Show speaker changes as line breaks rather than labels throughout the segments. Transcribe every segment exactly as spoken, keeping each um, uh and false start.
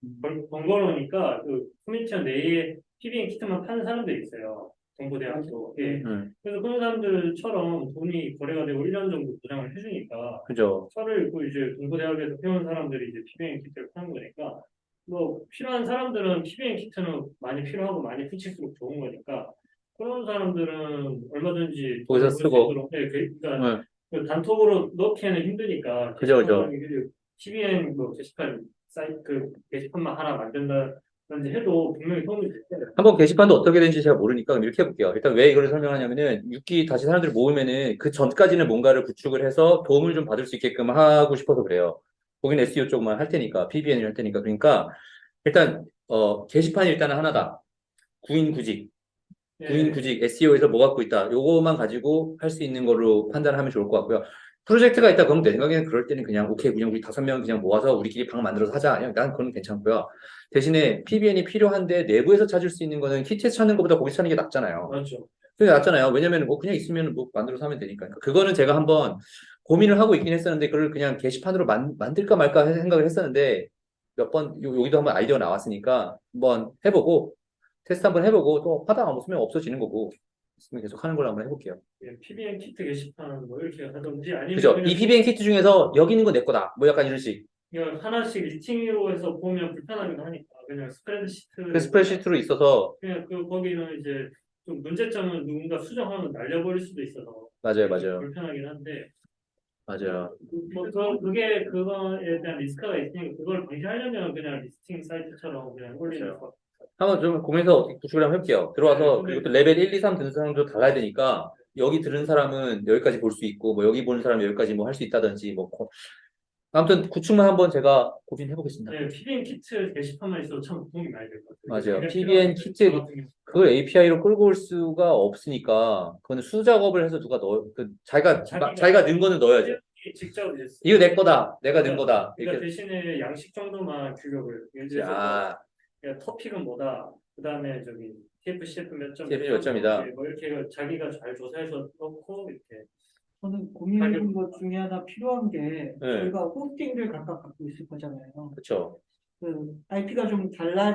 번- 번거로우니까 그 커뮤니티 내에 피비엔 키트만 파는 사람들이 있어요. 동부대학 쪽에.
음,
그래서 그런 사람들처럼 돈이 거래가 되고 일 년 정도 보장을 해주니까
그죠.
차를 입고 이제 동부대학에서 배운 사람들이 이제 피비엔 키트를 파는 거니까 뭐 필요한 사람들은 피비엔 키트는 많이 필요하고 많이 붙일수록 좋은 거니까 그런 사람들은 얼마든지
거기서
돈을 벌 수
쓰고,
있도록 네, 그- 그러니까
음,
그 단톡으로 넣기에는 힘드니까
그죠,
게시판을
그죠.
피비엔 뭐 게시판 사이트 그 게시판만 하나 만든다든지 해도 분명히 도움이 될 거예요.
한번 게시판도 어떻게 되는지 제가 모르니까 그럼 이렇게 해볼게요. 일단 왜 이걸 설명하냐면은 육 기 다시 사람들을 모으면은 그 전까지는 뭔가를 구축을 해서 도움을 좀 받을 수 있게끔 하고 싶어서 그래요. 거기는 에스이오 쪽만 할 테니까, 피비엔을 할 테니까. 그러니까 일단 어, 게시판이 일단은 하나다. 구인구직.
예,
구인구직 에스이오에서 뭐 갖고 있다. 요거만 가지고 할 수 있는 걸로 판단하면 좋을 것 같고요. 프로젝트가 있다 그러면 내 생각에는 그럴 때는 그냥 오케이 그냥 우리 다섯 명 그냥 모아서 우리끼리 방 만들어서 하자. 그냥 난 그건 괜찮고요. 대신에 피비엔이 필요한데 내부에서 찾을 수 있는 거는 키트에서 찾는 것보다 거기서 찾는 게 낫잖아요.
맞죠.
그게 낫잖아요. 왜냐면 뭐 그냥 있으면 뭐 만들어서 하면 되니까. 그러니까 그거는 제가 한번 고민을 하고 있긴 했었는데 그걸 그냥 게시판으로 만, 만들까 말까 생각을 했었는데 몇 번 여기도 한번 아이디어 나왔으니까 한번 해보고 테스트 한번 해보고 또 하다가 못 쓰면 없어지는 거고 있으면 계속 하는 걸로 한번 해볼게요.
예, 피비엔 키트 게시판 뭐 이렇게 하든지 아니면
그죠? 이
그냥 좀
피비엔 키트 중에서 여기 있는 거 내 거다. 뭐 약간 이런 식.
그냥 하나씩 리스팅으로 해서 보면 불편하기도 하니까 그냥
그
스프레드시트에다가
스프레드시트로 있어서
그냥 그 거기는 이제 좀 문제점은 누군가 수정하면 날려버릴 수도 있어서
맞아요,
그게 좀
맞아요,
불편하긴 한데
맞아요.
뭐 그, 그게 그거에 대한 리스크가 있으니까 그걸 방지하려면 그냥 리스팅 사이트처럼 그냥 올리는
맞아요.
거.
한번 좀 고민해서 어떻게 구축을 한번 해볼게요.
네,
들어와서 그리고
근데
또 레벨 일, 이, 삼 드는 사람도 달라야 되니까 여기 들은 사람은 여기까지 볼 수 있고 뭐 여기 보는 사람은 여기까지 뭐 할 수 있다든지 뭐 고- 아무튼 구축만 한번 제가 고민해 보겠습니다.
네, 피비엔 키트 게시판만 있어도 참 도움이 많이 될 것 같아요.
맞아요.
그게
피비엔
필요한데 저
키트
같은 경우
그걸 에이피아이로 끌고 올 수가 없으니까 그거는 수작업을 해서 누가 넣어 그 자기가 마-
자기가
자기가 넣은 거는 넣어야죠.
직접 이제
이거 내 거다. 내가 넣은
그러니까,
거다.
그러니까
이렇게
대신에 양식 정도만 규격을 예를 들어서 뭐
아
그러니까 토픽은 뭐다. 그다음에 저기 티에프씨에프 몇 점 몇
티에프씨
점 뭐
요점이다.
이렇게 뭐 이렇게 자기가 잘 조사해서 넣고 이렇게
저는 고민해
가격
본 것 중에 하나 필요한 게
네,
저희가 호스팅을 각각 갖고 있을 거잖아요.
그렇죠.
그 아이피가 좀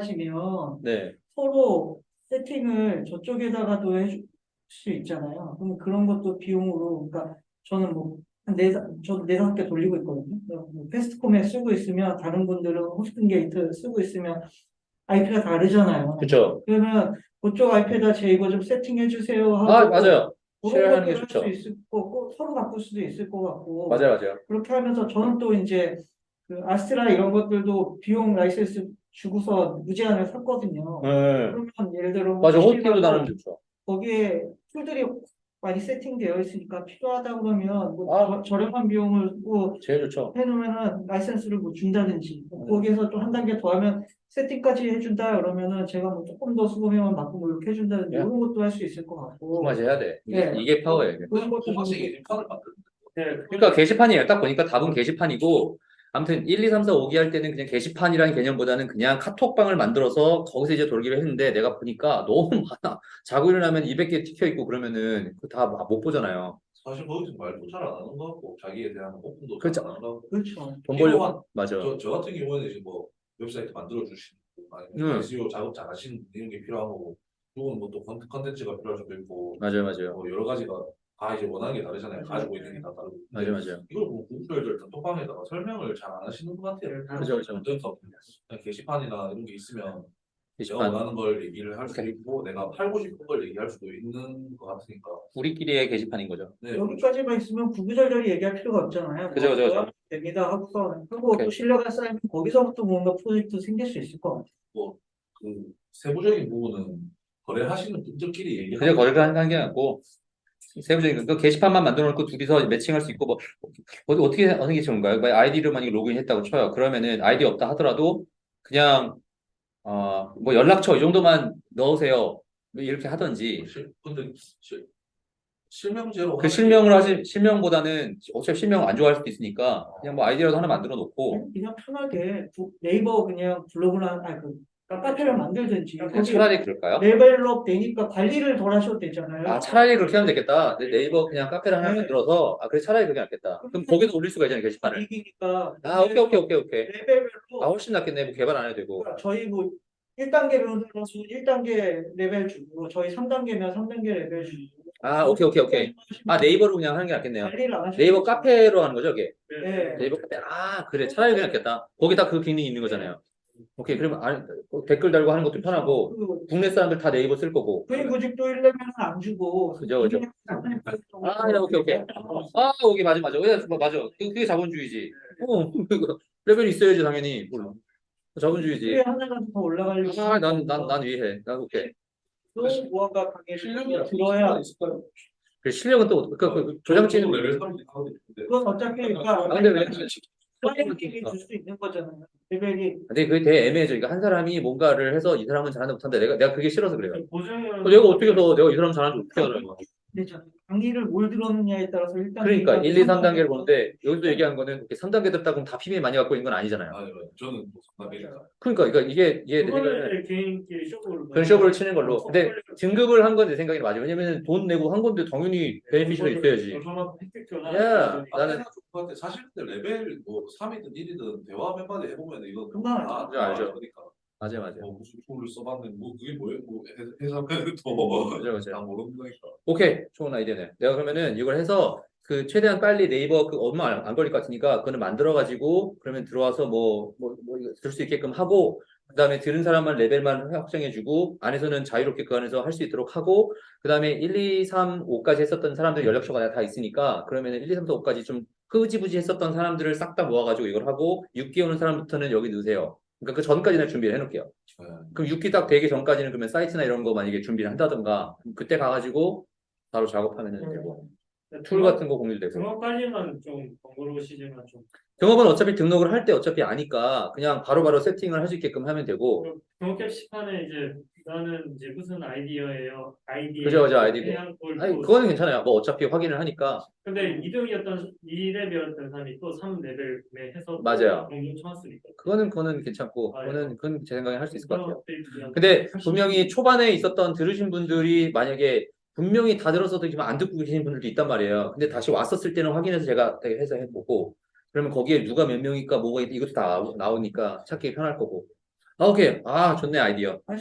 달라지면
네,
서로 세팅을 저쪽에다가도 해줄 수 있잖아요. 그럼 그런 것도 비용으로, 그러니까 저는 뭐, 한 네, 저도 네 다섯 개 돌리고 있거든요. 뭐 패스트코메 쓰고 있으면 다른 분들은 호스팅 게이트 쓰고 있으면 아이피가 다르잖아요.
그렇죠.
그러면 그쪽 아이피에다 제 이거 좀 세팅해 주세요
아
하고
맞아요.
그런
쉐어하는 게
것들을 할 수
좋죠.
있을 거고 서로 바꿀 수도 있을 것 같고
맞아요, 맞아요.
그렇게 하면서 저는 또 이제 그 아스트라 이런 것들도 비용 라이센스 주고서 무제한을 샀거든요.
네,
그러면 예를 들어 뭐
맞아. 호스팅도 나누면
호스팅하고
좋죠.
거기에 툴들이 많이 세팅되어 있으니까 필요하다 그러면 뭐
아
저, 저렴한 비용을 뭐
제일 좋죠.
해놓으면은 라이센스를 뭐 준다든지 뭐
네.
거기에서 또 한 단계 더 하면 세팅까지 해준다 그러면은 제가 뭐 조금 더 수고비만 받고 뭐 이렇게 해준다든지
야,
이런 것도 할 수 있을 것
두
같고
가지 해야 돼. 이게
예
이게 파워예요. 이게.
그런 것도 좀
토마스이 게시판을 만들
네,
그러니까
그거는
게시판이에요. 딱 보니까 답은 게시판이고, 아무튼 일, 이, 삼, 사, 오 기 할 때는 그냥 게시판이라는 개념보다는 그냥 카톡방을 만들어서 거기서 이제 돌기로 했는데 내가 보니까 너무 많아. 자고 일어나면 이백 개 찍혀 있고 그러면은 그거 다 못 보잖아요.
사실 거기서 말도 잘 안 하는 것 같고 자기에 대한 오픈도 잘 안
그렇죠.
하는 것 같고
그렇죠.
돈
필요한
벌려. 맞아.
저, 저 같은 경우에는 이제 뭐 웹사이트 만들어 주시는 분 아니면
응.
에스이오 작업 잘 하시는 분 이런 게 필요한 거고 누구는 뭐또 컨텐츠가 필요할 수도 있고
맞아요, 맞아요.
뭐 여러 가지가 다 이제 원하는 게 다르잖아요.
맞아요.
가지고 있는 게 다 다르고
맞아요,
근데
맞아요.
이걸 뭐 구글들 단톡방에다가 설명을 잘 안 하시는 것 같아요.
네,
그죠, 그죠.
그러니까 그냥 게시판이나 이런 게 있으면 내가
게시판.
원하는 걸 얘기를 할 수도
오케이.
있고 내가 팔고 싶은 걸 얘기할 수도 있는 것 같으니까
우리끼리의 게시판인 거죠.
네, 그렇죠.
여기까지만 있으면 구구절절히 얘기할 필요가 없잖아요.
그죠,
뭐
그죠,
뭐야
그죠.
됩니다 하고서 그리고 또
오케이.
신뢰가 쌓이면 거기서부터 뭔가 프로젝트 생길 수 있을 것 같아요.
뭐 그 세부적인 부분은 거래하시는 분들끼리
그냥
얘기하고
거래를 하는 게 아니고, 세부적인 그 게시판만 만들어 놓고 둘이서 매칭할 수 있고 뭐 어, 어떻게 하는 게 좋은가요? 만약 아이디를 만약에 로그인했다고 쳐요. 그러면은 아이디 없다 하더라도 그냥 어 뭐 연락처 이 정도만 넣으세요. 뭐 이렇게 하든지
실- 근데 실, 실명제로
그
하는 게
실명을 하시 실명보다는 어차피 실명 안 좋아할 수도 있으니까 그냥 뭐 아이디라도 하나 만들어 놓고
그냥 편하게 구- 네이버 그냥 블로그나 아니 그 카페를 만들든지
그냥
그냥
거기
차라리 그럴까요?
레벨업 되니까 관리를 덜 하셔도 되잖아요.
아, 차라리 그렇게 하면 되겠다. 네, 네이버 그냥 카페를 하나
네.
만들어서, 아, 그래, 차라리 그게 낫겠다. 그럼 거기도 올릴 수가 있잖아요, 게시판을.
이기니까
아, 오케이, 오케이, 오케이, 오케이.
레벨별로
아, 훨씬 낫겠네. 뭐 개발 안 해도 되고.
그러니까 저희 뭐 일 단계 변호사로서 일 단계 레벨 주고 저희 삼 단계면 삼 단계 레벨 주고
아, 오케이, 오케이, 오케이. 아, 네이버로 그냥 하는 게 낫겠네요.
관리를 안 하셔도
네이버
되죠.
카페로 하는 거죠, 이게?
네.
네이버 카페. 아, 그래. 차라리 그게 낫겠다. 거기다 그 기능이 있는 거잖아요. 오케이. 그러면 안- 댓글 달고 하는 것도 편하고,
그
국내 사람들 다 네이버 쓸 거고.
구인구직도 일 레벨은 안 주고
그죠, 그죠. 아, 네, 오케이, 오케이. 아, 오케이, 맞아, 맞아. 왜, 뭐, 맞아. 그- 그게 자본주의지. 어, 그거 레벨이 있어야지, 당연히. 뭘. 자본주의지.
그게 하나가 더 올라가려고
아, 난, 난, 난 이해해. 난 오케이.
또 무언가 가게
실력이
들어야
있을까요?
그 실력은 또, 그, 그, 조정치는.
레벨 삼이 하거든요. 근데
그건 어차피
아,
그러니까
근데 왜.
클라이언트끼리 줄 수 있는 거잖아요. 레벨이
근데 그게 되게 애매해져. 그러니까 한 사람이 뭔가를 해서 이 사람은 잘한다 못한다. 내가, 내가 그게 싫어서 그래요.
보증은
어, 내가 어떻게 해서 내가 이 사람 잘하는지 어떻게 알아요?
되죠. 강의를 뭘 들었느냐에 따라서 일단
그러니까 일, 이, 삼 단계를 보는데 여기서 얘기한 거는 이렇게 삼 단계 듣다 그럼 다 피비엠 많이 갖고 있는 건 아니잖아요.
아니, 저는 뭐 상담이니까.
그러니까, 그러니까 이게 이게 내 생각에는
그거는 개인끼리 쇼부를
그런 쇼부를 치는 걸로. 근데 등급을 한 건 내 생각이 맞아요. 왜냐면 돈 내고 한 건데 당연히 베네핏이 있어야지.
저만 혜택표나
야,
아,
나는
생각 좋을 것 같아. 사실 근데 레벨 뭐 삼이든 일이든 대화 몇 마디 해보면 이거
금방
다
알죠, 알죠.
그러니까
맞아요, 맞아요.
뭐 무슨 툴을 써봤는데 뭐 그게 뭐예요? 뭐 해- 해석하면
맞아요,
또다
맞아요.
모르는 거니까.
오케이, 좋은 아이디어네. 내가 그러면은 이걸 해서 그 최대한 빨리 네이버 그 얼마 안, 안 걸릴 것 같으니까 그거는 만들어가지고 그러면 들어와서 뭐 뭐 뭐 들 수 있게끔 하고 그다음에 들은 사람만 레벨만 확정해주고 안에서는 자유롭게 그 안에서 할 수 있도록 하고 그다음에 일, 이, 삼, 오까지 했었던 사람들 연락처가 다 있으니까 그러면은 일, 이, 삼, 사, 오까지 좀 흐지부지 했었던 사람들을 싹 다 모아가지고 이걸 하고 육 기 오는 사람부터는 여기 넣으세요. 그러니까 그 전까지는 준비를 해놓을게요.
네.
그럼 육 기 딱 되기 전까지는 그러면 사이트나 이런 거 만약에 준비를 한다든가 그때 가가지고 바로 작업하면 되고 툴 같은 거 공유도 되고
등업 관리만 좀 번거로우시지만 좀
등업은 어차피 등록을 할 때 어차피 아니까 그냥 바로바로 세팅을 할 수 있게끔 하면 되고
등업 게시판에 이제 나는 이제 무슨 아이디어예요 아이디어
그죠, 그죠, 아이디고.
그냥 걸
아니
또-
그거는 괜찮아요. 뭐 어차피 확인을 하니까
근데 이 등이었던 이 레벨이었던 사람이 또 삼 레벨에 해서
맞아요.
공동 쳐왔으니까
그거는 그거는 괜찮고
아, 예.
그거는 그건 제 생각에 할 수 있을 것 같아요.
업데이트랑
근데 분명히 초반에 있었던 들으신 분들이 만약에 분명히 다 들었어도 지금 안 듣고 계신 분들도 있단 말이에요. 근데 다시 왔었을 때는 확인해서 제가 되게 해서 해보고 그러면 거기에 누가 몇 명일까 뭐가 있- 이것도 다 나오- 나오니까 찾기 편할 거고. 아, 오케이. 아, 좋네 아이디어.